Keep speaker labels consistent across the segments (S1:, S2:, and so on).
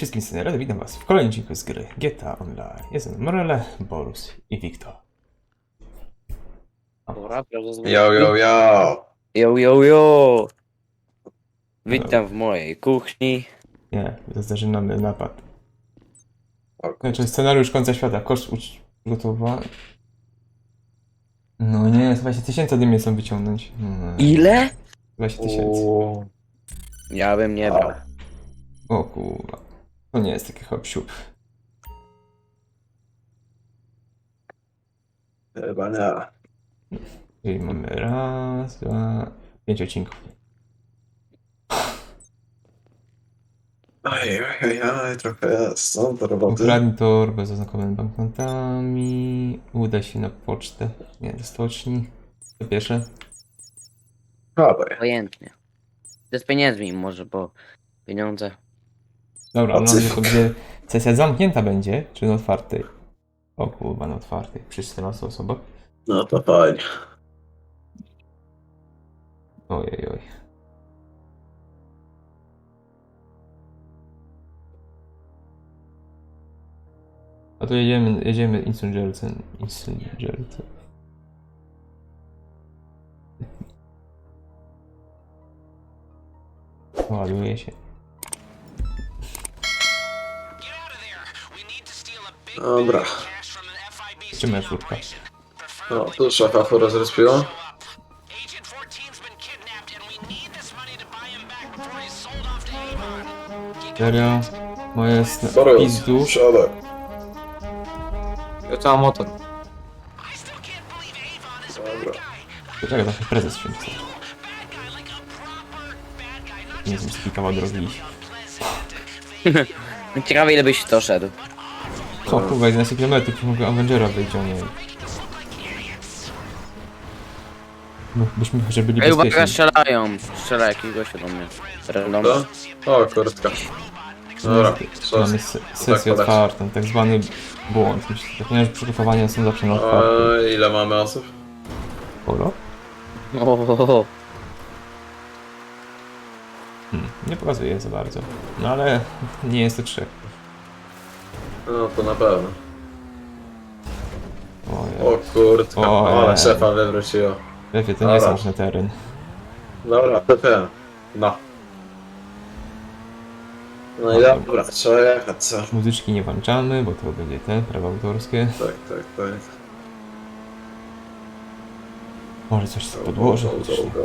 S1: wszystkim scenery, witam was w kolejnym odcinku z gry GTA Online. Jestem Morele, Borus i Wiktor.
S2: Dobra,
S3: Yo, yo, yo!
S2: Yo, yo, yo! Witam w mojej kuchni.
S1: Nie, zaczynamy napad.
S3: O,
S1: Znaczy scenariusz końca świata, koszt przygotowany. No nie, 20 tysięcy ode mnie chcą wyciągnąć. No,
S2: Ile?
S1: 20 tysięcy.
S3: Uuu.
S2: Ja bym nie brał.
S1: O kurwa. To nie jest taki hop-siup.
S3: Chyba nie.
S1: Czyli mamy raz, dwa, 5 odcinków.
S3: Oj, trochę jest, no, do roboty.
S1: Ukradnij torbę z oznakowanymi banknotami. Uda się na pocztę. Nie, do stoczni. To pierwsze.
S3: Dawaj.
S2: Obojętnie. To z pieniędzmi może, bo pieniądze.
S1: Dobra,
S3: A
S1: no
S3: cyfr.
S1: to będzie. Sesja zamknięta będzie, czy na otwartej? O kurwa, na otwartej. Przy 14 osobach.
S3: No to fajnie.
S1: Ojej, oj. A tu jedziemy Insurgencem. Ładuje się.
S3: Dobra.
S1: Gdzie moja furtka?
S3: No, tu szafa fura zrespiła.
S1: Serio? Moje jest na
S3: Borus,
S1: pizdu.
S3: siadaj.
S4: Ja całą motor.
S3: Dobra.
S1: Czekaj, trochę prezes się chce. Nie wiem, z kawał drogi iść.
S2: Ciekawe ile byś to szedł.
S1: O kurwa, 11 km, mogę Avengera wyjść, o nie. No, byśmy chociaż byli
S2: Ej, uwaga,
S1: bezpieczni.
S2: strzelają. Strzela jakiś gościu do mnie. Random.
S3: To? O, kurtka. Dobra,
S1: Mamy sesję
S3: podać.
S1: otwartą, tak zwany błąd. Ponieważ przygotowania są zawsze na otwartym.
S3: Ile mamy osób?
S1: Polo?
S2: O,
S1: Nie pokazuje za bardzo. No ale nie jest to 3.
S3: No, to na pewno.
S1: Ojej.
S3: O, kurtka.
S1: Ojej.
S3: Ale szefa wywróciło.
S1: Lepiej, to nie jest ważny teren.
S3: Dobra, TP. No. No i dobra, trzeba jechać, co?
S1: Muzyczki nie włączamy, bo to będzie te, prawa autorskie.
S3: Tak.
S1: Może coś z podłoża.
S3: Go.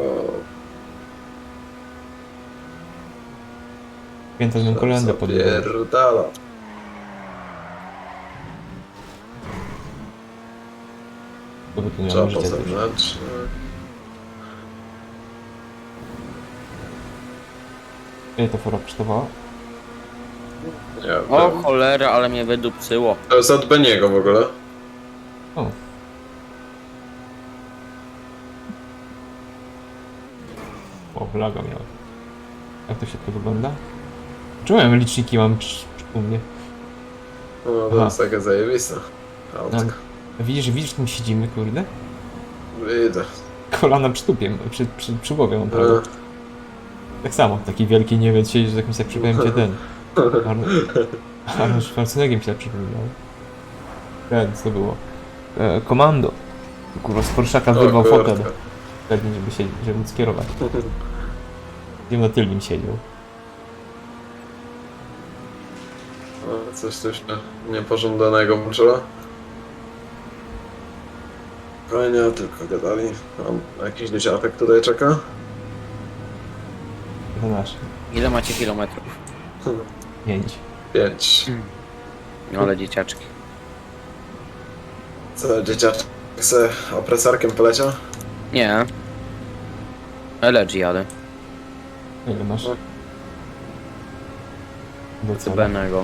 S1: Święta z kolędę podłożę.
S3: Zapierdala.
S1: Bo tu nie
S3: Trzeba
S1: mam
S3: po
S1: życia też.
S3: zewnątrz.
S1: Ile to fora kosztowała?
S3: Nie wiem.
S2: o cholera, ale mnie wydupcyło.
S3: To jest od Beniego w ogóle.
S1: O. O, laga miałem. Jak to się to wygląda? Czemu ja liczniki mam u mnie?
S3: No to
S1: Aha.
S3: jest takie zajebiste.
S1: No,
S3: Autko.
S1: widzisz, tym siedzimy, kurde?
S3: Widzę.
S1: Kolana przy tupie, przy głowie mam prawo. Tak samo, taki wielki Niemiec siedzi, że jakimś tak przypomniał cię ten. Arnold Schwarzenegger mi się tak przypomniał. Ten, co było? Komando. Kurwa, z Porszaka wyrwał fotel. Pewnie, żeby móc kierować. Gdzie na tylnym siedział.
S3: O, coś tu się niepożądanego włączyło. Fajnie, tylko gadali. Mam jakiś dzieciaczek tutaj czeka.
S1: To nasz.
S2: Ile macie kilometrów?
S1: 5.
S3: 5.
S2: No ale dzieciaczki.
S3: Co, dzieciaczek se opresarkiem poleciał?
S2: Nie. LG jadę.
S1: Ile masz? Do
S2: Co
S1: celu.
S2: benego.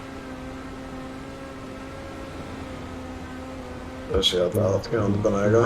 S3: Też jadę od Benego.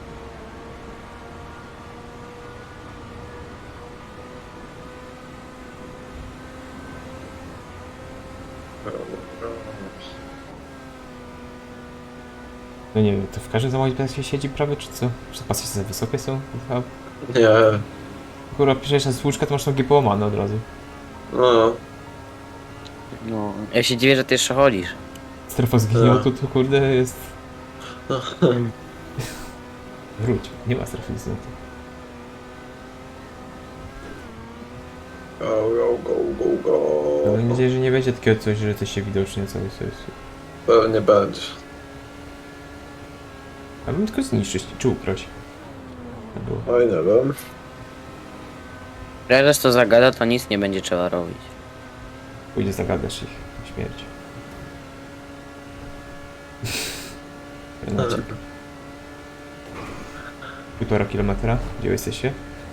S1: No nie wiem, to w każdym samochodzie się siedzi prawie, czy co? Czy te pasy za wysokie są? Chyba.
S3: Nie,
S1: Kurwa, piszesz na słuczka, to masz nogi połamane od razu.
S3: no.
S2: No, ja się dziwię, że ty jeszcze chodzisz.
S1: Strefa zginiętu to kurde jest... Wróć, nie ma strefy zginiętu.
S3: Go, go, go, go, go.
S1: Mam nadzieję, że nie będzie takiego coś, że coś się widocznie coś...
S3: Pewnie będzie.
S1: A bym tylko zniszczyć czy ukraść. To było.
S3: Oj, nie wiem.
S2: Prezes to zagada, to nic nie będzie trzeba robić.
S1: Pójdzie zagadasz ich na śmierć. Renacik. 1,5 kilometra. Gdzie jesteście?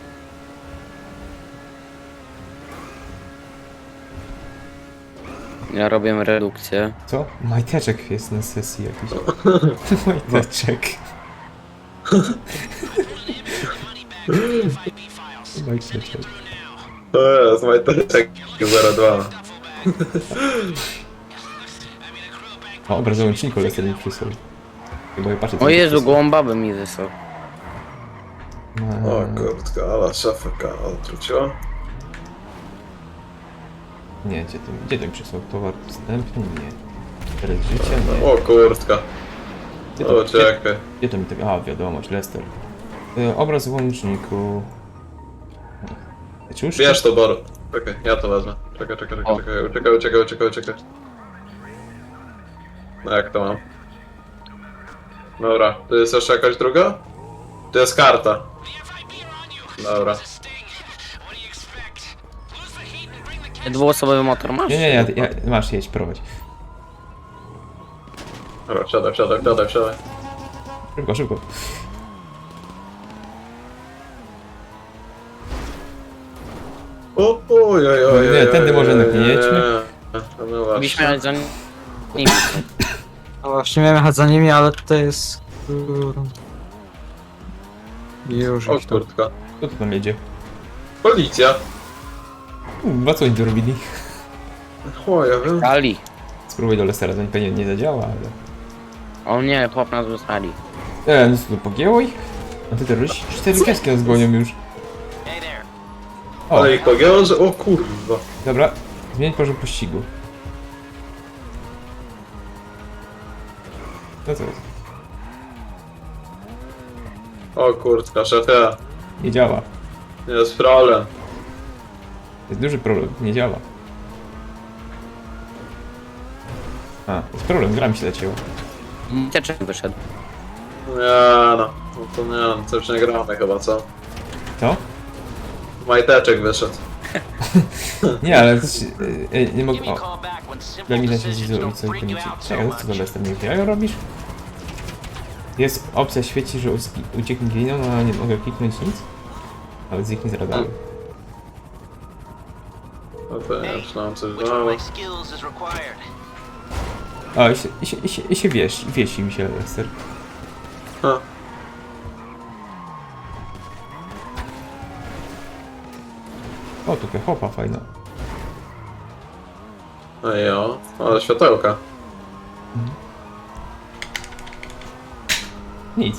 S2: Ja robię redukcję.
S1: Co? Majteczek jest na sesji jakiś. Majteczek. Majteczek.
S3: To jest majteczek 02.
S1: O, obraz załączniku Lester mi przysłał. Chyba ja patrzę co
S2: O
S1: mi
S2: Jezu,
S1: przysłał.
S2: gołąbabę mi wysłał.
S3: O kurtka, ale szafka odwróciła.
S1: Nie, gdzie ten przysłał? Towar wstępny? Nie. Teraz życia? Nie.
S3: O kurtka.
S1: Gdzie
S3: O, czekaj.
S1: gdzie to mi tego? A, wiadomość, Lester. Obraz w łączniku. Cóż?
S3: Bierz to, Boro. Czekaj, ja to wezmę. Czekaj,
S2: O.
S3: uciekaj. No jak to mam? Dobra, tu jest jeszcze jakaś druga? Tu jest karta. Dobra.
S2: Dwuosobowy motor masz?
S1: Nie, masz, jedź, prowadź.
S3: Dobra, wsiadaj.
S1: Szybko.
S3: Oj.
S1: Nie, tędy może jednak nie jedźmy.
S3: No właśnie.
S2: Byliśmy za nimi.
S4: No właśnie miałem jechać za nimi, ale to jest... Już
S3: O
S4: ich to...
S3: kurtka.
S1: Kto tu tam jedzie?
S3: Policja.
S1: Co oni tu robili?
S3: O, ja wiem.
S2: Ali.
S1: Spróbuj do Lestera, to pewnie nie zadziała, ale...
S2: O nie, chłop nas wysłali.
S1: No co tu pogięło ich? A ty terroryści 4 pieski nas gonią już. O,
S3: Ale ich pogięło, że... O kurwa.
S1: dobra. Zmienić poziom pościgu. No co jest?
S3: O kurtka, szefie.
S1: Nie działa.
S3: Jest problem.
S1: Jest duży problem, nie działa. A, jest problem, gra mi się zacięła.
S2: Teczek wyszedł.
S3: Nie no. No to nie no, coś nie gramy chyba, co?
S1: Co?
S3: Majteczek wyszedł.
S1: Nie, ale... nie mogę... O, daj mi znać, jeśli zrobić coś w czekaj, co to Lester, nie wiem, robisz? Jest opcja świeci, że ucieknie gliną, a nie mogę kliknąć nic. Nawet zniknie z radaru.
S3: No to nie wiem, coś
S5: Which one
S3: dało.
S5: of my skills is required?
S1: O, i się wiesi mi się Lester.
S3: Ha.
S1: O, tu chopa fajna.
S3: No i o, ale światełka.
S1: Nic.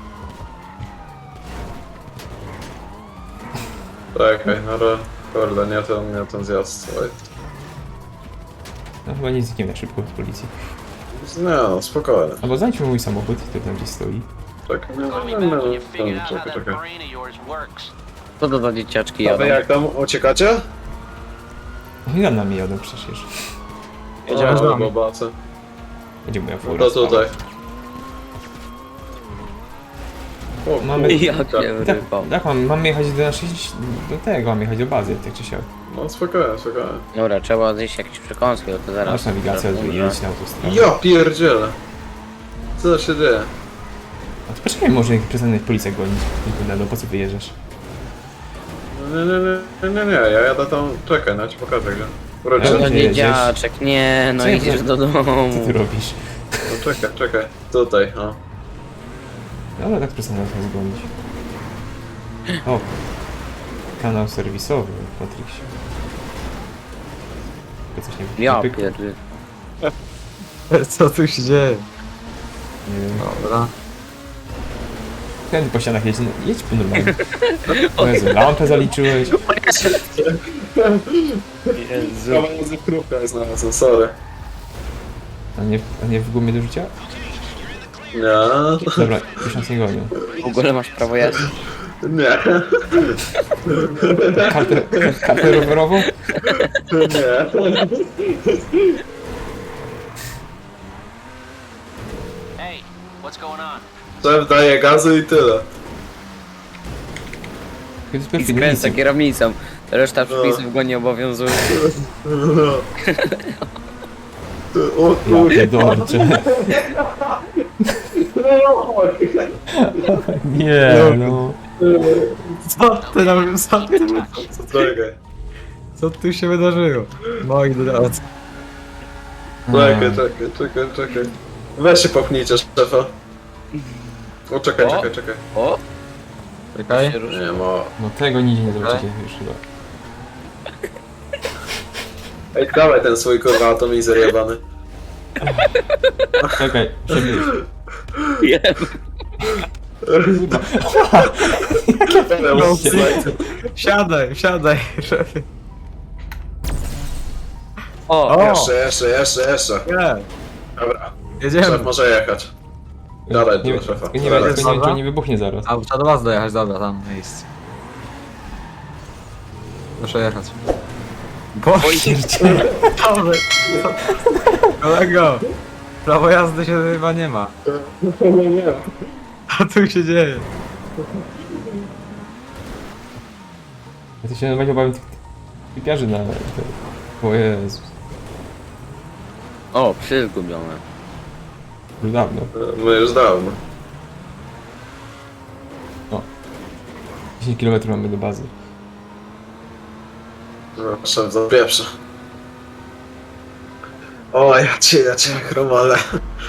S3: Czekaj, no ale... Kurde, nie ten zjazd. Oj.
S1: No chyba nie znikniemy na szybko z policji.
S3: Nie no, spokojnie.
S1: Albo znajdźmy mój samochód, który tam gdzieś stoi.
S3: Czekaj,
S5: Call me back when you figured out how
S3: czekaj.
S5: that brain of yours works.
S2: Co to za dzieciaczki
S3: A
S2: jadą?
S3: wy jak tam uciekacie?
S1: No i za nami jadą przecież.
S4: Jedziemy z
S3: O,
S4: wami.
S3: bobacy.
S1: Będzie moja
S3: No
S1: fura.
S3: to tutaj. O,
S1: Mamy-
S2: Jakie
S3: kurczę.
S2: ryba.
S1: Tak, mam jechać do naszej... do tego, mam jechać do bazy, tak czy siak.
S3: No spokojnie.
S2: Dobra, trzeba zjeść jakieś przekąski, bo to zaraz...
S1: Masz nawigację, jedź na autostradę.
S3: Ja pierdzielę. Co się dzieje?
S1: A to poczekaj, może jak przestanę policję gonić. No po co wyjeżdżasz?
S3: Nie, ja jadę tam, czekaj, no ci pokażę gdzie. Wróćcie.
S1: Ale-
S2: No
S1: Gdzie jedziesz?
S2: dzieciaczek, nie, no
S1: Co ja
S2: idziesz
S1: to-
S2: do domu.
S1: Co ty robisz?
S3: No czekaj, tutaj, o.
S1: Dobra, tak przestanę nas gonić. O! Kanał serwisowy, Patryksie. To coś nie
S2: Ja
S1: pykło?
S2: pierdolę.
S4: Co tu się dzieje?
S1: Nie wiem.
S4: Dobra.
S1: Ten po ścianach jedź, jedź po normalnie. O Jezu, lampę zaliczyłeś.
S2: Jezu.
S3: Kawałek krówka jest znalazłem, sorry.
S1: A nie w gumie do rzucia?
S3: Nie.
S1: Dobra, już nas nie gonią.
S2: W ogóle masz prawo jazdy.
S3: Nie.
S1: Kartę rowerową?
S3: Nie.
S5: Hey, what's going on?
S3: Szef daje gazu i tyle.
S1: Kiedy
S2: I
S1: pierwszy
S2: skręca kierownicą. Reszta przepisów go nie obowiązuje.
S3: O
S1: Ja
S3: kurde.
S1: pierdolę. Nie, no.
S4: Co ty tam,
S3: Czekaj.
S4: co tu się wydarzyło? Moi drodzy.
S3: Czekaj. Weź się popchnijcie, szefa. O, czekaj.
S2: O!
S4: Czekaj.
S2: Się ruszy.
S3: Nie ma.
S1: No tego nigdzie nie zobaczycie już chyba.
S3: Ej, dawaj ten swój kurwa atomizer jebany.
S1: Czekaj, przebyć.
S4: Siadaj, szefie.
S2: O!
S4: O!
S3: Jeszcze.
S4: Nie,
S3: Dobra,
S4: jedziemy.
S3: szef może jechać. Gadaj
S1: Nie,
S3: tu, szefa.
S1: nie wiem, tylko nie wiem, czy on nie wybuchnie zaraz.
S4: A, trzeba do was dojechać, dobra, tam miejsce. Proszę jechać. Boże, dobra. Kolego, prawo jazdy się chyba nie ma.
S3: Nie.
S4: Co tu się dzieje?
S1: Ja to się normalnie obawiam tych typiarzy na... O Jezu,
S2: O, psy zgubione.
S1: już dawno.
S3: My już dawno.
S1: 10 km mamy do bazy.
S3: No, szef zapieprza. O, ja cię chromale.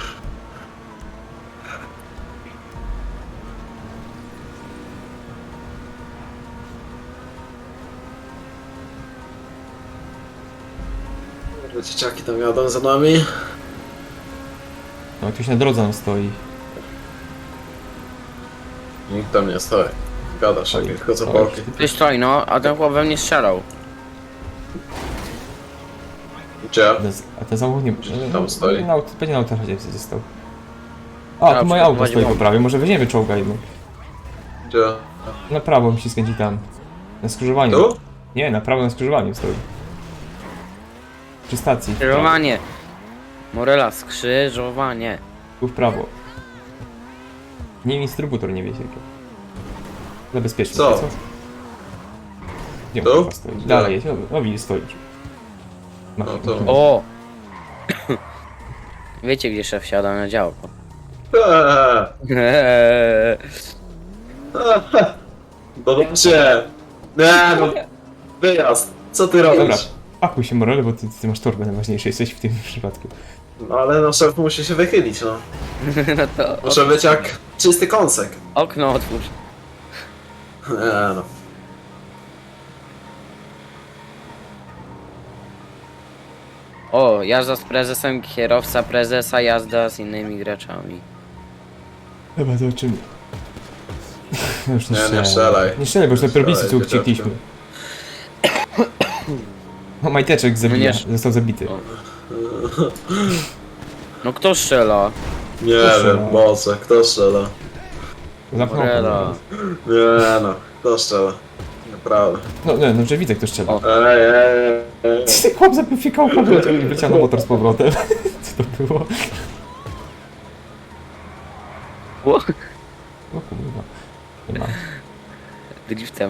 S3: Dzieciaki tam jadą za nami.
S1: No, tu się na drodze on stoi.
S3: Nikt tam nie stoi. Gadasz,
S1: Oj,
S3: tylko co
S1: oj.
S3: boki.
S2: Ty stoi, no, a ten chłop we mnie strzelał.
S3: Gdzie?
S1: A ten samochód nie...
S3: Tam stoi.
S1: Pewnie na autostradzie został. A, tu moje auto stoi po prawej, może weźmiemy czołga jedną.
S3: Gdzie?
S1: Na prawo mi się skręci tam. Na skrzyżowaniu.
S3: Tu?
S1: Nie, na prawo na skrzyżowaniu stoi. Przy stacji.
S2: Skrzyżowanie. Morela, skrzyżowanie.
S1: Tu w prawo. Nie wiem, instrybutor nie wie tylko. Za bezpiecznie.
S3: Co?
S1: Gdzie
S3: Tu?
S1: on chyba stoi? Dalej jest. No widzisz, stoi.
S3: No to-
S2: O! Wiecie, gdzie szef siada na działko?
S3: Dodacie! Nie no, wyjazd! Co ty robisz?
S1: Dobra, pakuj się Morele, bo ty masz torbę najważniejsze, jesteś w tym przypadku.
S3: No ale no szef musi się wychylić, no.
S2: No to
S3: Muszę być jak czysty kąsek.
S2: okno otwórz.
S3: Nie no.
S2: O, jazda z prezesem, kierowca prezesa, jazda z innymi graczami.
S1: Dobra, zobaczymy. No już nie
S3: Nie, nie
S1: strzelaj.
S3: strzelaj.
S1: Nie strzelaj, bo już na pierwlicy co
S3: strzelaj,
S1: uciekliśmy. No majteczek zabija,
S2: nie.
S1: został zabity.
S2: O. No kto strzela?
S3: Nie
S1: Kto strzela?
S3: wiem, moce, kto strzela?
S1: Zamknął
S2: Morela.
S1: okno.
S3: Nie no, kto strzela? Naprawdę.
S1: No, że widzę kto strzela.
S2: O.
S3: Ej.
S1: Ty chłop zapifikał, wleciał na motor z powrotem. Co to było?
S2: O,
S1: O kurwa. Nie ma.
S2: driftem.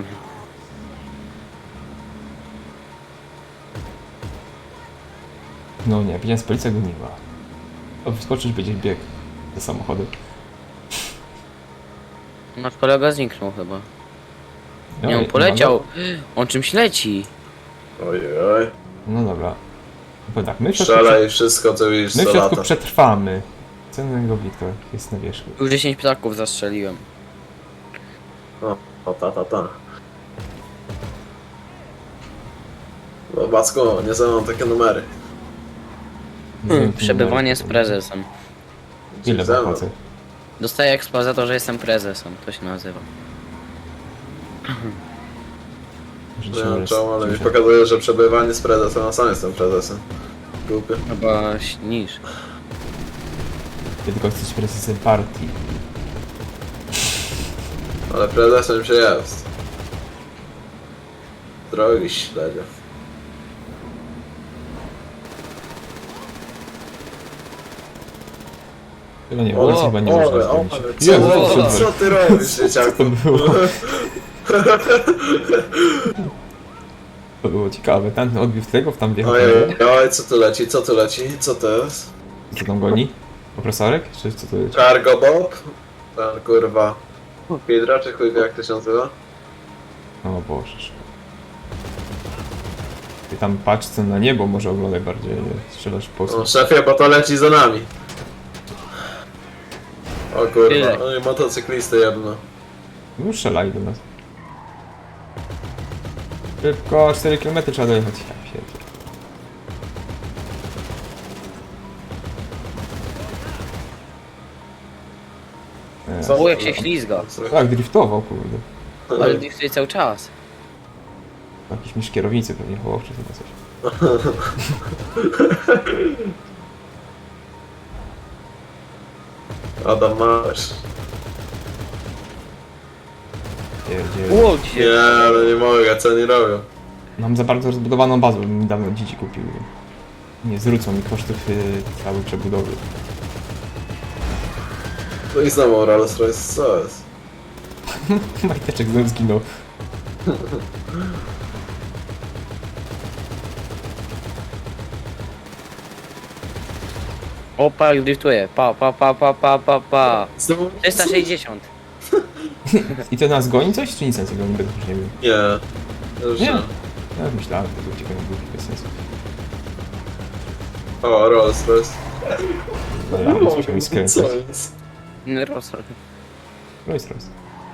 S1: No nie, widziałem z policja goniła. O, wyskoczyć będzie bieg za samochodem.
S2: Nasz kolega zniknął chyba.
S1: No,
S2: Nie, on
S1: i-
S2: poleciał. On czymś leci.
S3: Ojej.
S1: No dobra. Bo tak, my w środku,
S3: Strzelaj wszystko co widzisz
S1: my w
S3: co
S1: środku
S3: lata.
S1: przetrwamy. Cennego Witka jest na wierzchu.
S2: Już 10 ptaków zastrzeliłem.
S3: O, ta. No Backu, nie znam takie numery.
S1: Nie wiem,
S2: Przebywanie
S1: numer.
S2: z prezesem.
S1: Ile
S3: Ze mną.
S1: zapłacę?
S2: Dostaję expa za to, że jestem prezesem, to się nazywa.
S1: Że
S3: Nie
S1: cię
S3: wiem czemu, ale mi
S1: słyszę.
S3: pokazuje, że przebywanie z prezesem, a sam jestem prezesem. Głupie.
S2: Chyba niż.
S1: Ty tylko jesteś prezesem partii.
S3: Ale prezesem się jest. Drogi śledzie.
S1: Chyba nie,
S3: O,
S1: ulicy chyba nie można
S3: o,
S1: zrobić.
S3: co,
S1: Jezu,
S3: o,
S1: super.
S3: co ty robisz,
S1: Co
S3: dzieciaku?
S1: to było? To było ciekawe. Ten odbił w tego, w tam wjechał.
S3: Ojej, oj, co tu leci, co tu leci, co to jest?
S1: Co tam goni? Opresorek? Czy co to jest?
S3: Cargo Bob? Ten kurwa. Hydra, czy chuj wie jak to się nazywa?
S1: O Boże. Ty tam patrz co na niebo, może oglądaj bardziej, nie strzelasz po
S3: No szefie, bo to leci za nami. O kurwa,
S2: Tyle.
S3: oj, motocyklisty jedno.
S1: No strzelaj do nas. Szybko, 4 km trzeba dojechać. Ja pierdolę.
S3: Co?
S2: O, jak się ślizga.
S1: Tak, driftował, kurde.
S2: Ale driftuje cały czas.
S1: Jakiś mistrz kierownicy pewnie chował, czy chyba coś.
S3: Adam masz.
S1: Pierdziele.
S2: Ło,
S3: Nie,
S2: dzisiaj.
S3: ale nie mogę, co nie robią.
S1: Mam za bardzo rozbudowaną bazę, bym mi dawno dzieci kupił. Nie zwrócą mi kosztów całej przebudowy.
S3: No i znowu Rolls Royce, co jest?
S1: Majteczek znowu zginął.
S2: Opa, jak driftuje. Pa, pa, pa, pa, pa, pa, pa.
S3: Znowu?
S2: 360.
S1: I to nas goni coś, czy nic nas goni? Bez już nie wiem.
S3: Nie. Już
S1: Nie.
S3: nie.
S1: Ja myślałem, że to uciekają głupi bez sensu.
S3: O, Rolls Royce.
S1: Dobra, no, musiał mi skręcać.
S3: Co jest?
S2: Rosol.
S1: Royce, Royce.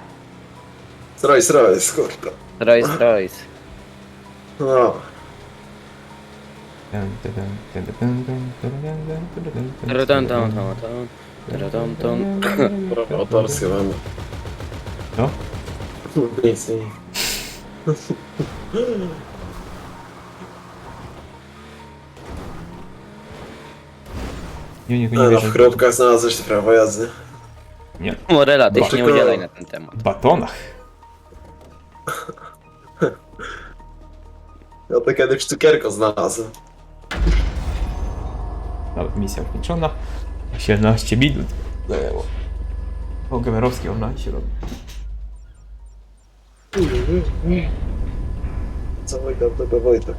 S3: Royce, kurwa.
S2: Royce, Royce.
S3: No.
S2: Taratam, tam, tam, tam. Taratam, tam.
S3: Prawo autorskie mamy.
S1: No?
S3: Nic, nie.
S1: Nie, nie
S3: No, w
S1: wierzę.
S3: chrupkach znalazłeś te prawo jazdy.
S1: Nie.
S2: Morela, ty się nie
S3: Tylko-
S2: udzielaj na ten temat.
S1: W batonach.
S3: Ja to kiedyś cukierko znalazłem.
S1: Nawet misja ukończona. 17 minut zajęło. O, Gemerowski online się robi.
S3: Cały gardego Wojtek.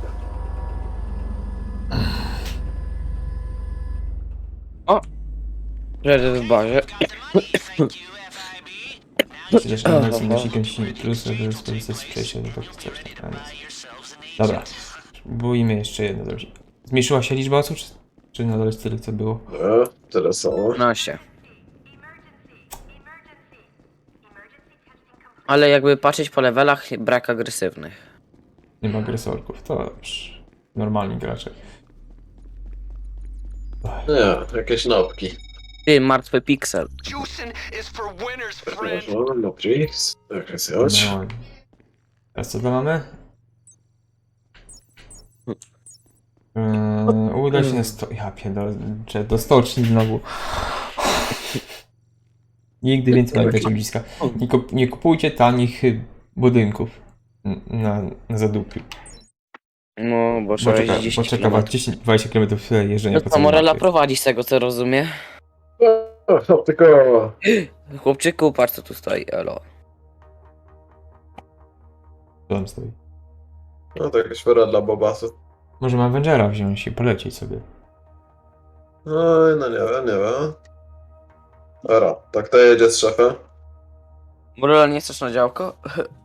S2: Że w barze.
S1: Przecież nie jest minusik silnik plus, żeby skorzystać z przejścia do takich coś tam. Dobra. Spróbujmy jeszcze jedno zrobić. Zmniejszyła się liczba osób, czy nadal jest tyle co było?
S3: Tyle samo.
S2: 15. Ale jakby patrzeć po levelach, brak agresywnych.
S1: Nie ma agresorków, to dobrze. Normalni gracze.
S3: Nie, jakieś nopki.
S2: Ty, martwy piksel.
S5: Juicing is for winners, friend.
S3: No, nopki. Jakaś chodź.
S1: No. Teraz co tam mamy? Uda się na sto... Ja pierdolę, że do stoczni znowu. Nigdy więcej nie będziecie bliska. Nie kupujcie tanich budynków na zadupiu.
S2: No, bo
S1: Bo
S2: trzeba
S1: czeka,
S2: jeździć
S1: bo
S2: 10
S1: czeka was
S2: km.
S1: 10-20 km jeżdżenia
S2: No
S1: po
S2: to
S1: całej
S2: Morela
S1: mapie.
S2: prowadzi z tego, co rozumie.
S3: O, tylko...
S2: Chłopczyku, patrz co tu stoi, elo.
S1: Co tam stoi?
S3: No to jakaś pora dla Bobasu.
S1: Możemy Avengera wziąć i polecieć sobie.
S3: Oj, no nie wiem, nie wiem. Dobra, tak to jedzie z szefem.
S2: Morela, nie chcesz na działko?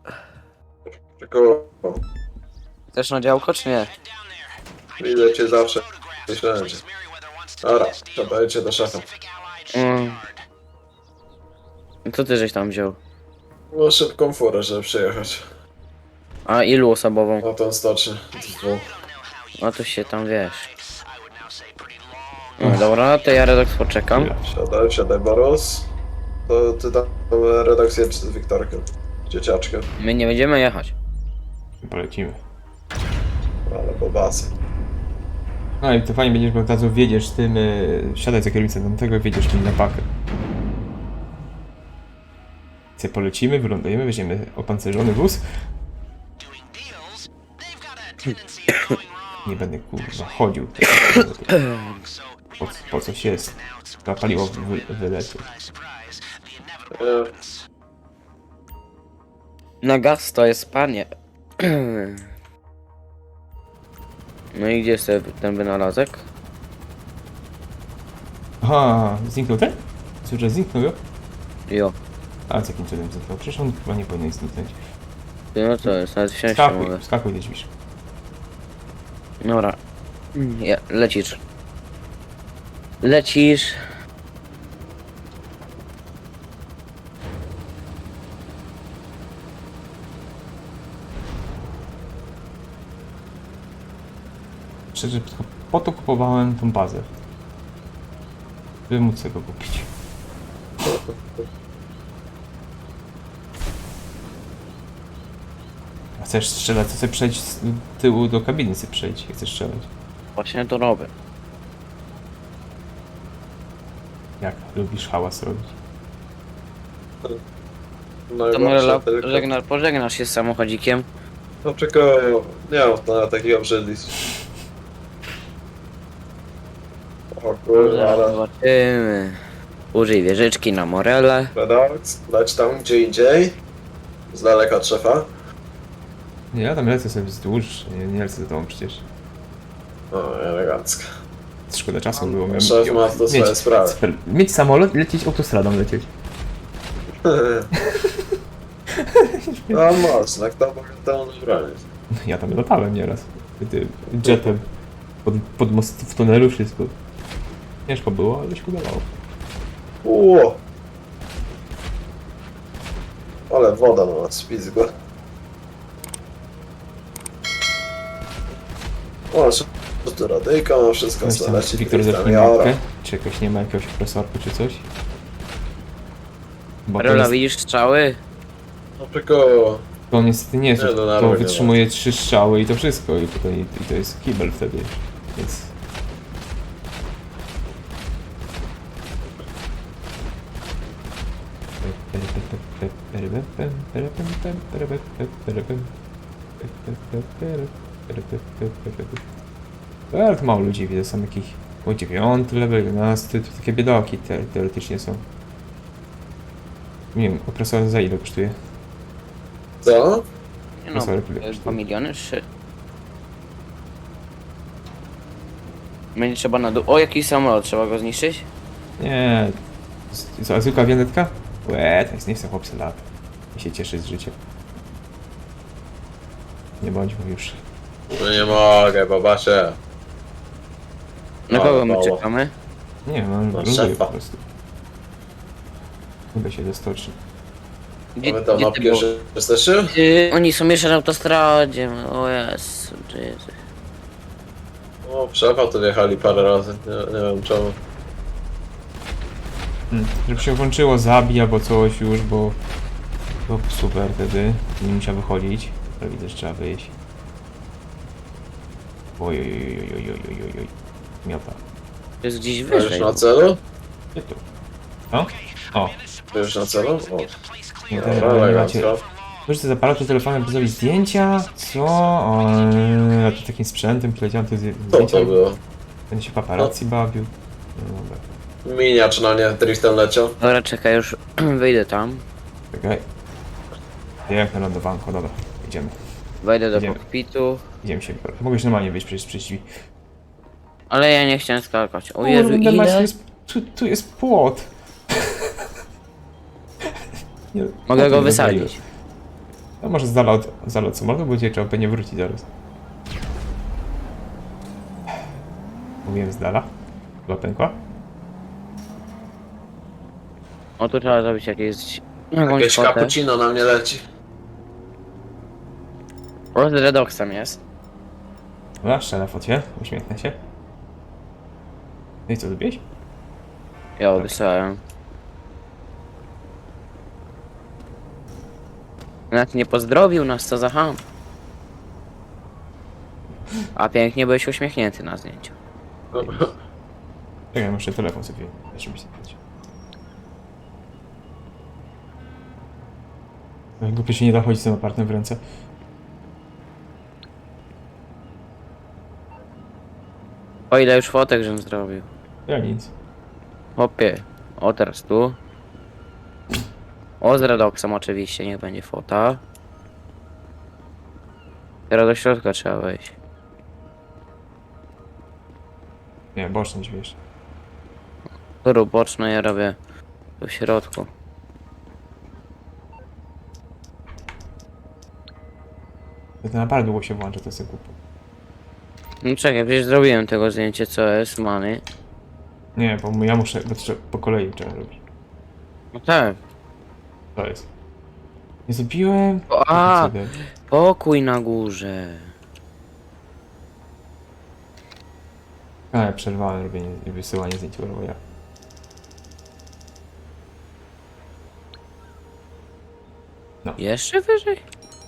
S3: Tylko
S2: Chcesz na działko, czy nie?
S3: widzę cię zawsze. Myślałem, że... Dobra, to jedzie do szefa.
S2: Co ty żeś tam wziął?
S3: No szybką furę, żeby przyjechać.
S2: A ilu osobową?
S3: Na tą stocznię. Dwóch.
S2: No to się tam wiesz. No dobra, to ja Redox poczekam.
S1: Chwila.
S3: Siadaj, siadaj Boros. To ty tam redakcję z Wiktorkiem. Dzieciaczkiem.
S2: My nie będziemy jechać.
S1: Polecimy.
S3: Ale bobasy.
S1: No i to fajnie będziesz, bo od razu wiedziesz tym, siadaj za kierownicę tamtego, wiedziesz tym na pakę. Sobie polecimy, wylądujemy, weźmiemy opancerzony wóz. Nie będę kurwa chodził. Po coś jest. To paliwo wyleci.
S2: Na gaz to jest panie. No i gdzie jest ten wynalazek?
S1: Aha, zniknął ten? Słyszę, zniknął jo?
S2: Jo.
S1: A z jakim cudem zniknął? Przecież on chyba nie powinien zniknąć.
S2: No co jest, nawet wsiąść nie
S1: Skakuj,
S2: mogę.
S1: skakuj do drzwi.
S2: Dobra. Lecisz. Lecisz.
S1: Szczerze, tylko po to kupowałem tą bazę. By móc tego kupić. A chcesz strzelać, to sobie przejdź z tyłu do kabiny, sobie przejdź, jak chcesz strzelać.
S2: Właśnie to robię.
S1: Jak lubisz hałas robić.
S3: No
S2: To
S3: i
S2: może
S3: tylko...
S2: pożegnasz się z samochodzikiem.
S3: No czekaj, nie mam na takich obrzydlic. O kurwa, ale...
S2: Zobaczymy. Użyj wieżyczki na Morele.
S3: Redax, leć tam gdzie indziej. Z daleka od szefa.
S1: Nie, ja tam lecę sobie wzdłuż, nie lecę za tobą przecież.
S3: O, elegancko.
S1: Szkoda czasu było. Miałem,
S3: Szef ma to swoje sprawy.
S1: mieć samolot i lecieć autostradą lecieć.
S3: No mocno, kto mógł temu zabronić?
S1: Ja tam latałem nieraz. Jetem. Pod most w tunelu wszystko. Ciężko było, ale się udawało.
S3: Ło! Ale woda na nas spizgła. O, co tu radyjka, no wszystko
S1: Weź tam,
S3: leci.
S1: Wiktor, zerknij mapkę. Czy jakoś nie ma jakiegoś profesorku czy coś? Bo to,
S2: Rola,
S1: jest,
S2: widzisz strzały?
S3: No tylko...
S1: to niestety nie jest,
S3: Nie,
S1: to
S3: narwo nie
S1: wytrzymuje 3 strzały i to wszystko. I to jest kibel wtedy. Więc... Ale to mało ludzi widzę, są jakich o 9 level, 11, to takie biedoki teoretycznie są. Nie wiem, opresor za ile kosztuje?
S3: Co?
S2: Nie no,
S1: Sorry, tyle
S2: 2
S1: kosztuje.
S2: miliony, 3. Będzie trzeba na dół. O, jakiś samolot, trzeba go zniszczyć?
S1: Nie, co, zwykła wionetka? Łe, to jest nie chcę chłopcy lat. I się cieszy z życia. Nie bądźmy już.
S3: No nie mogę, babasie.
S2: Na
S3: No,
S2: kogo my
S3: mało.
S2: czekamy?
S1: Nie, mam
S3: No,
S1: ląduję
S3: szefa.
S1: po prostu. Chyba się dostoczy.
S2: Gdzie,
S3: Mamy tam
S2: gdzie
S3: na
S2: ty był?
S3: pierwszy jesteście?
S2: Oni są jeszcze na autostradzie. O Jezu, Jezu.
S3: O, szefa tu wjechali parę razy, nie wiem czemu.
S1: Żeby się włączyło zabij albo coś już, bo... To super wtedy. Nie musiał wychodzić. Ale widzę, że trzeba wyjść. Oj, oj, oj, oj, oj, oj, oj, oj. Miota.
S2: To jest gdzieś
S3: Będziesz
S2: wyżej.
S3: na celu?
S1: Gdzie tu? O? O.
S3: Będziesz na celu? O,
S1: Nie,
S3: dobra,
S1: teraz nie macie...
S3: elegancko.
S1: Możecie z aparatu telefonem zrobić zdjęcia? Co? O, ja tu takim sprzętem poleciałem tu
S3: Co
S1: zdjęcia.
S3: to było?
S1: Będzie się paparazzi bawił. No dobra.
S3: Miniacz na nie driftem leciał.
S2: Dobra, czekaj, już wyjdę tam.
S1: Czekaj. Jak na lądowanko, dobra. Idziemy.
S2: Wejdę do
S1: Idziemy.
S2: kokpitu.
S1: Idziemy się. Mogłeś normalnie wyjść przez drzwi.
S2: Ale ja nie chciałem skakać. O Jezu,
S1: Kurde, Max,
S2: ile?
S1: tu jest płot. Nie,
S2: Mogę
S1: płotu
S2: go
S1: nie
S2: wysadzić.
S1: rozwaliłem. A może z dala od samolotu, bo cię trzeba pewnie wrócić zaraz. Mówiłem z dala. Chyba pękła.
S2: O, tu trzeba zrobić jakieś...
S3: Jakieś
S2: fotę.
S3: cappuccino na mnie leci.
S2: O, z Redoxem jest.
S1: Dobra, strzelę focie. Uśmiechnę się. No i co, zrobiłeś?
S2: Ja wysłałem. Nawet nie pozdrowił nas, co za ham. A pięknie byłeś uśmiechnięty na zdjęciu.
S1: Czekaj, muszę telefon sobie żeby zdjąć. Głupio się nie da chodzić z tym apartem w ręce.
S2: O ile już fotek żem zrobił.
S1: Ja nic.
S2: Hopie. O teraz tu. O z Redoxem oczywiście, niech będzie fota. Teraz do środka trzeba wejść.
S1: Nie, boczny drzwi jeszcze.
S2: Turu boczne ja robię tu w środku.
S1: To na bardzo długo się włącza, to jest głupio.
S2: No czekaj, przecież zrobiłem tego zdjęcie co jest, many.
S1: Nie, bo ja muszę, bo trzeba, po kolei trzeba robić.
S2: No tak.
S1: To jest. Nie zrobiłem.
S2: A,
S1: Jakim cudem?
S2: pokój na górze.
S1: Ale przerwałem robienie i wysyłanie zdjęć, bo ja.
S2: Jeszcze wyżej?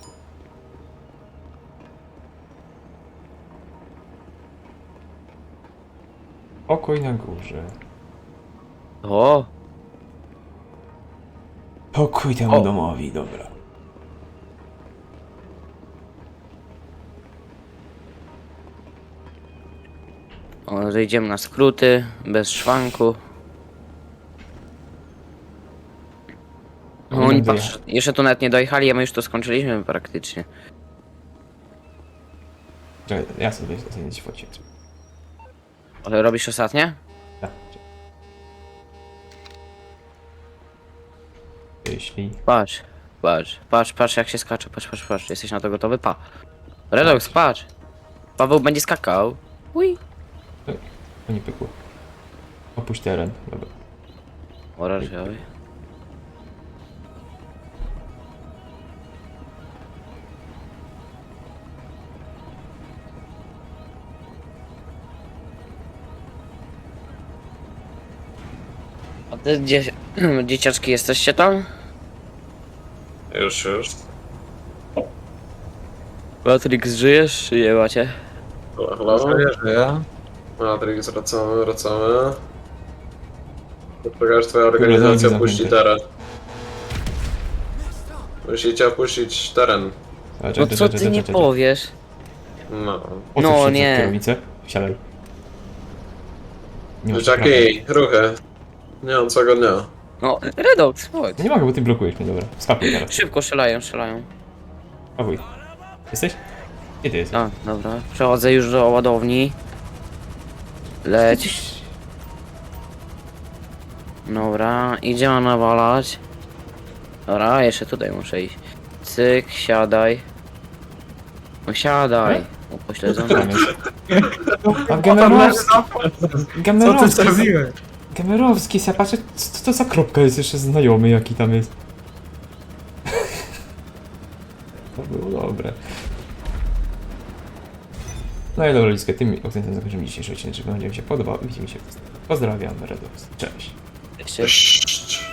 S1: Pokój na górze.
S2: O,
S1: Pokój temu
S2: O.
S1: domowi, dobra.
S2: o, zejdziemy na skróty, bez szwanku. No,
S1: Oni
S2: oni
S1: tam
S2: patrz, jeszcze tu nawet nie dojechali, a my już to skończyliśmy praktycznie.
S1: Czekaj, ja sobie zdjęć focie.
S2: Ale robisz ostatnie?
S1: Tak. Jeśli...
S2: Patrz, patrz jak się skacze, patrz. Jesteś na to gotowy? Pa. Redox, patrz. Paweł będzie skakał. Ui.
S1: To nie pykło. Opuść teren, dobra.
S2: Orężowy. A te dzieciaczki jesteście tam?
S3: Już.
S2: Patryk, żyjesz czy nie macie?
S3: Halo?
S4: Żyję.
S3: Matrix, wracamy. Poczekaj, aż twoja
S1: drogi
S3: organizacja
S1: zamknięte.
S3: puści teren. Musicie opuścić teren.
S2: No co ty nie powiesz?
S3: No.
S2: No, nie.
S1: Kierownicę? Wsiadaj. Nie masz
S3: Dzieciaki, ruchy. Nie mam całego dnia.
S2: No, Redox, chodź.
S1: No nie mogę, bo ty blokujesz mnie, dobra. Skakuj teraz.
S2: Szybko strzelają.
S1: Skakuj. Jesteś? Gdzie ty jesteś?
S2: A, dobra. Przechodzę już do ładowni. Leć. Dobra, idziemy nawalać. Dobra, jeszcze tutaj muszę iść. Cyk, siadaj. No siadaj. Upośledzony.
S1: Tam jest. A
S4: Co ty
S1: Gamerowski,
S4: zrobiłeś?
S1: Gamerowski, ja patrzę, co to za kropka jest jeszcze znajomy, jaki tam jest. To było dobre. No i dobra, Liskę, tym akcentem zakończymy dzisiejszy odcinek. Jeżeli wam się podobał, widzimy się. Pozdrawiam, Redox. Cześć.
S2: Jeszcze
S3: Cześć.